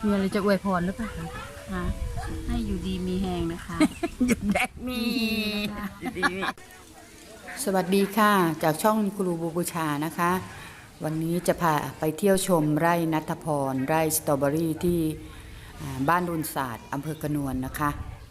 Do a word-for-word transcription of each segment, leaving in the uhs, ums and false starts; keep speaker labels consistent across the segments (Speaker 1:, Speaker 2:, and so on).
Speaker 1: มีอะไรจะอวยพรหรือเปล่า
Speaker 2: คะให้อยู่ดีมีแหงนะคะ
Speaker 1: หยุดแดกมีสวัสดีค่ะจากช่องครูบูชานะคะวันนี้จะพาไปเที่ยวชมไร่ณัฐพรไร่สตรอเบอรี่ที่บ้านรุนศาสตร์อำเภอกระนวนนะคะ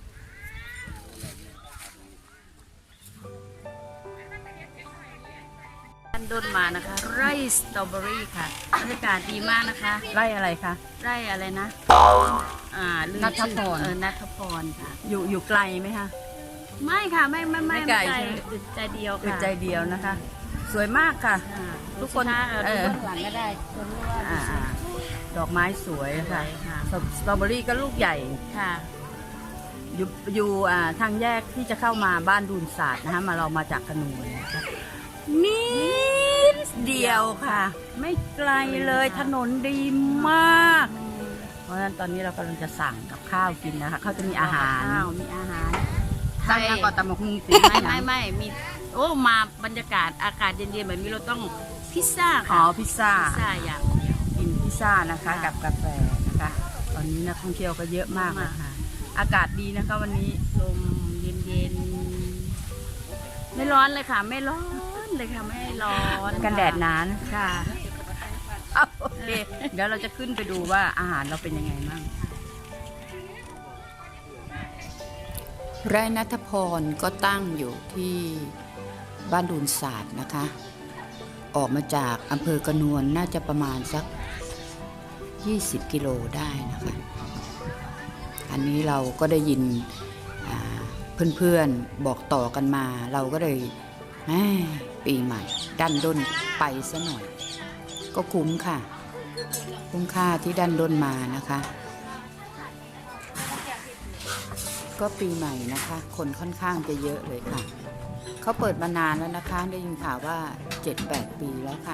Speaker 2: ท่านด้นมานะคะไร่สตรอเบอรี่ค่ะบรรยากาศดีมากนะคะ
Speaker 1: ไร่อะไรคะ
Speaker 2: ไร่อะไรนะอ่า
Speaker 1: ณัฐพร
Speaker 2: เออณัฐพรค่ะ
Speaker 1: อยู่อยู่ไกลไหมคะ
Speaker 2: ไม่ค่ะไม่ไม่ไม่
Speaker 1: ไกล
Speaker 2: อึดใจเดียวค่ะ
Speaker 1: อึดใจเดียวนะคะสวยมากค่ะทุกคน
Speaker 2: เออหลังก็ได้คนรู้ว่า
Speaker 1: ดอกไม้สวยค่ะสตรอเบอรี่ก็ลูกใหญ่
Speaker 2: ค่ะ
Speaker 1: อยู่อยู่ทางแยกที่จะเข้ามาบ้านดูนศาสตร์นะคะมาเรามาจากขนูนนะคะนิดเดียวค่ะไม่ไกลเลยถนนดีมากเพราะฉะนั้นตอนนี้เรากำลังจะสั่งกับข้าวกินนะคะเขาจะมีอาหาร
Speaker 2: มีอาหาร
Speaker 1: ไทยก่อนตำมะฮุงสิ
Speaker 2: ไม่ไม่ไม่มีโอ้มาบรรยากาศอากาศเย็นๆแบบนี้เราต้องพิซซ่าค่ะ
Speaker 1: อ๋อพิซซ่า
Speaker 2: พิซซ่าอย่าง
Speaker 1: กินพิซซ่านะคะกับกาแฟนะคะตอนนี้นักท่องเที่ยวก็เยอะมากนะคะอากาศดีนะคะวันนี้
Speaker 2: ลมเย็นๆไม่ร้อนเลยค่ะไม่ร้อนเลยค่ะไม่ร้อน
Speaker 1: กันแดดนาน
Speaker 2: ค่ะ
Speaker 1: โอเคเดี๋ยวเราจะขึ้นไปดูว่าอาหารเราเป็นยังไงบ้างไร่ณัฐพรก็ตั้งอยู่ที่บ้านดูนศาสตร์นะคะออกมาจากอำเภอกระนวนน่าจะประมาณสักยี่สิบกิโลได้นะคะอันนี้เราก็ได้ยินเพื่อนๆบอกต่อกันมาเราก็เลยปีใหม่ดันด้นไปซะหน่อยก็คุ้มค่ะคุ้มค่าที่ดันด้นมานะคะก็ปีใหม่นะคะคนค่อนข้างจะเยอะเลยค่ะเขาเปิดมานานแล้วนะคะได้ยินข่าวว่า เจ็ดแปด ปีแล้วค่ะ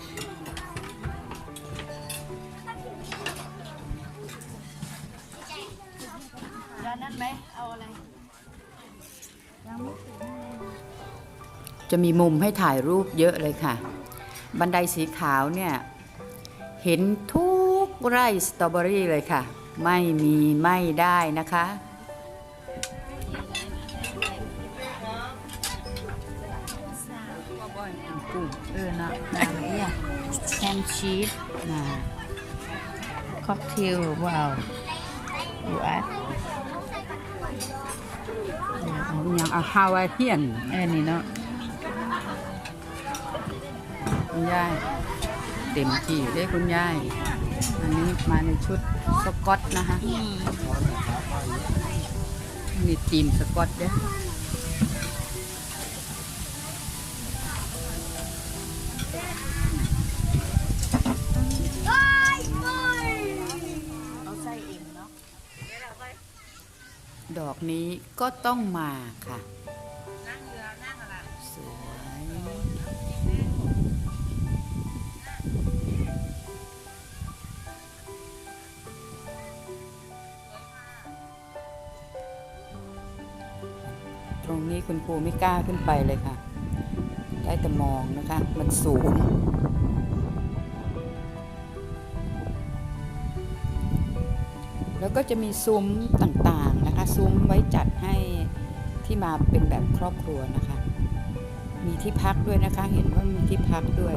Speaker 2: ร้านนั้นไหมเอาอะไร
Speaker 1: จะมีมุมให้ถ่ายรูปเยอะเลยค่ะบันไดสีขาวเนี่ยเห็นทุกไร่สตรอเบอรี่เลยค่ะไม่มีไม่ได้นะคะเออนะอะไรอ่ะ
Speaker 2: แฮมชีส
Speaker 1: นะ
Speaker 2: ค็อกเทลว้าวดูอ่ะ
Speaker 1: อย่างอาฮาวายเทียน
Speaker 2: เออนี่เนาะ
Speaker 1: คุณยายเต็มที่ได้คุณยายอันนี้มาในชุดสกอตนะคะมีทีมสกอตด้วยดอกนี้ก็ต้องมาค่ะสวยตรงนี้คุณครูไม่กล้าขึ้นไปเลยค่ะได้แต่มองนะคะมันสูงแล้วก็จะมีซุ้มต่างๆนะคะซุ้มไว้จัดให้ที่มาเป็นแบบครอบครัวนะคะมีที่พักด้วยนะคะเห็นว่ามีที่พักด้วย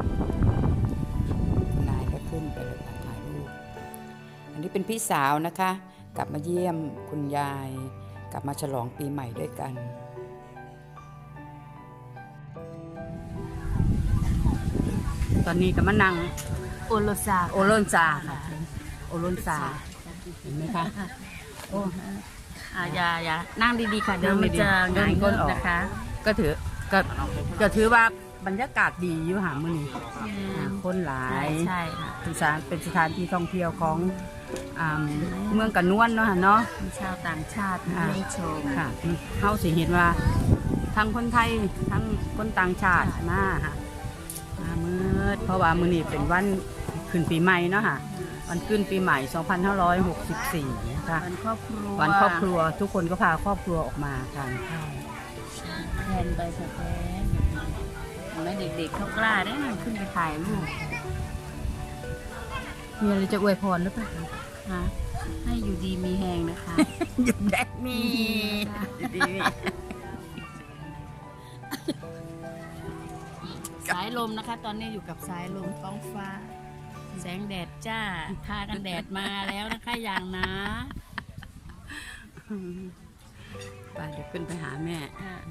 Speaker 1: คุณนายก็ขึ้นไปเลยค่ะถ่ายรูปอันนี้เป็นพี่สาวนะคะกลับมาเยี่ยมคุณยายกลับมาฉลองปีใหม่ด้วยกันตอนนี้ก็มานั่ง
Speaker 2: โอโลซา
Speaker 1: โอโลนซาค่ะโอโลนซาเห็นไหมคะโอ้
Speaker 2: อย่าอย่านั่งดีๆค่ะเดี๋ยวมันจะหงายก้นออกนะคะ
Speaker 1: ก็ถือก็ก็ถือว่าบรรยากาศดีอยู่หามือนี่คนหลาย
Speaker 2: ใช่ค่ะ
Speaker 1: เป็นสถานเป็นสถานที่ท่องเที่ยวของเมืองกระนวนเนาะเนาะ
Speaker 2: มีชาวต่างชาติมาชม
Speaker 1: ค่ะเขาสิเห็นว่าทั้งคนไทยทั้งคนต่างชาติมาค่ะมามืดเพราะว่ามือนี่เป็นวันขึ้นปีใหม่เนาะค่ะวันขึ้นปีใหม่สองพันห้าร้อยหกสิบสี่นะคะ
Speaker 2: วันครอบครัว
Speaker 1: วันครอบครัวทุกคนก็พาครอบครัวออกมาทานข้าว
Speaker 2: แทนใบสะแพนแม่เด็กๆเขากล้าได้ขึ้นไปถ่ายรูป
Speaker 1: มีอะไรจะอวยพรหรือเปล่า
Speaker 2: ค่ะให้อยู่ดีมีแหงนะคะ
Speaker 1: หยุดแดกมี
Speaker 2: ดี สายลมนะคะ ตอนนี้อยู่กับสายลมท้องฟ้า แสงแดดจ้าทากันแดดมาแล้วนะคะอย่างนะ
Speaker 1: ไปเดี๋ยวขึ้นไปหาแม่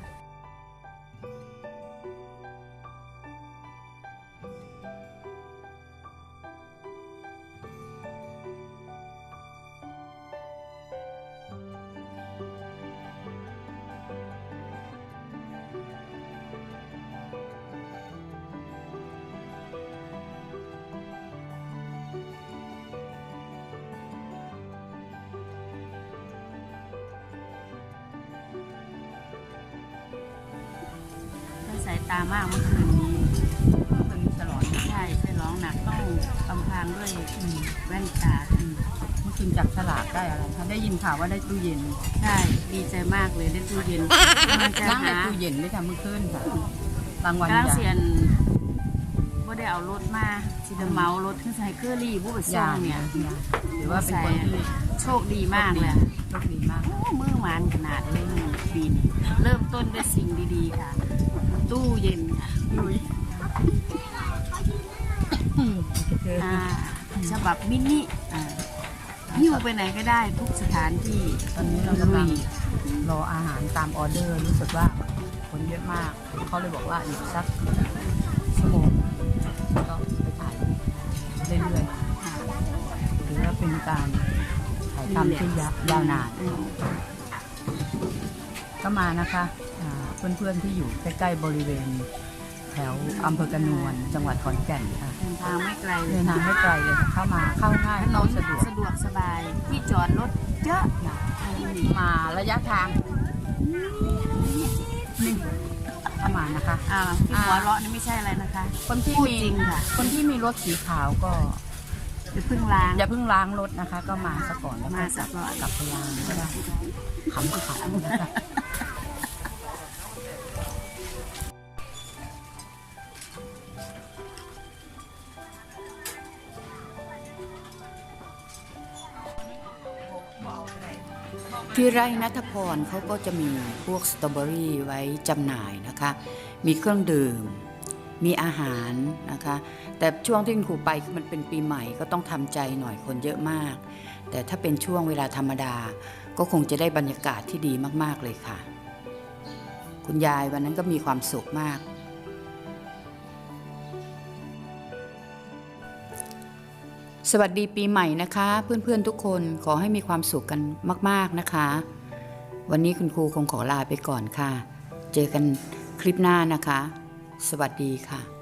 Speaker 2: สายตามากเมื่อคืนนี้
Speaker 1: มันมีฉลอง
Speaker 2: ใช่ใช่ร้องหนักต้องกำพางด้วยแว่นตา
Speaker 1: เมื่อคืนจับฉลากได้อะไรคะได้ยินข่าวว่าได้ตู้เย็น
Speaker 2: ใช่ดีใจมากเลยได้ตู้เย็นกำลังจะ
Speaker 1: ล้างใน
Speaker 2: หา
Speaker 1: ตู้เย็นด้วยค่ะเมื่อคืนค่ะรางวัล
Speaker 2: กำลัง
Speaker 1: ใหญ่
Speaker 2: เสียนว่าได้เอารถมาสิเดเมารถขึ้นใส่เครื่องรีผู้ไปส่งเนี่ย
Speaker 1: หรือว่าเป็นคนที่
Speaker 2: โชคดีมากเลย
Speaker 1: โชคดีมาก
Speaker 2: โอ้มือหวานขนาดเลยหนึ่งปีนี้เริ่มต้นด้วยสิ่งดีๆค่ะ ตู้เย็นค่ะ อ่าฉบับมินิอ่าหิ้วไปไหนก็ได้ทุกสถานที่
Speaker 1: ตอนนี้เรากำลังรออาหารตามออเดอร์รู้สึกว่าคนเยอะมากเขาเลยบอกว่าอีกสักชั่วโมงก็ไปถ่ายเรื่อยๆหรือว่าเป็นการถ่ายทำที่ยาวนาน
Speaker 2: อืม
Speaker 1: ก็มานะคะอ่าเพื่อนๆที่อยู่ใกล้ๆบริเวณแถวอำเภอกระนวนจังหวัดขอนแก่นค่ะ
Speaker 2: เดินทางไม่ไกลเล
Speaker 1: เดิ
Speaker 2: ย
Speaker 1: นทางไม่ไกลเลยค่ะเข้ามาเข้าง่าย
Speaker 2: ถน
Speaker 1: เข้าน สะดวก
Speaker 2: สะดวกสบายที่จอดรถเยอะ
Speaker 1: มาระยะทางนี่เข้ามานะคะ
Speaker 2: อ่าที่หัวเราะนี่ไม่ใช่อะไรนะคะ
Speaker 1: คนที่
Speaker 2: พูด
Speaker 1: มี
Speaker 2: จริงค่ะ
Speaker 1: คนที่มีรถสีขาวก็
Speaker 2: จะเพิ่งล้าง
Speaker 1: อย่าเพิ่งล้างรถนะคะ ก็มาซะก่อนแล้ว
Speaker 2: มาซะก่อน
Speaker 1: กลับไปล้างก็ได้ขำๆนะคะที่ไร่นัทพรเขาก็จะมีพวกสตรอเบอรี่ไว้จำหน่ายนะคะ มีเครื่องดื่ม มีอาหารนะคะ แต่ช่วงที่คุณครูไปคือมันเป็นปีใหม่ก็ต้องทำใจหน่อยคนเยอะมาก แต่ถ้าเป็นช่วงเวลาธรรมดา ก็คงจะได้บรรยากาศที่ดีมากๆเลยค่ะ คุณยายวันนั้นก็มีความสุขมาก สวัสดีปีใหม่นะคะ เพื่อนๆทุกคนขอให้มีความสุขกันมากๆนะคะ วันนี้คุณครูคงขอลาไปก่อนค่ะ เจอกันคลิปหน้านะคะ สวัสดีค่ะ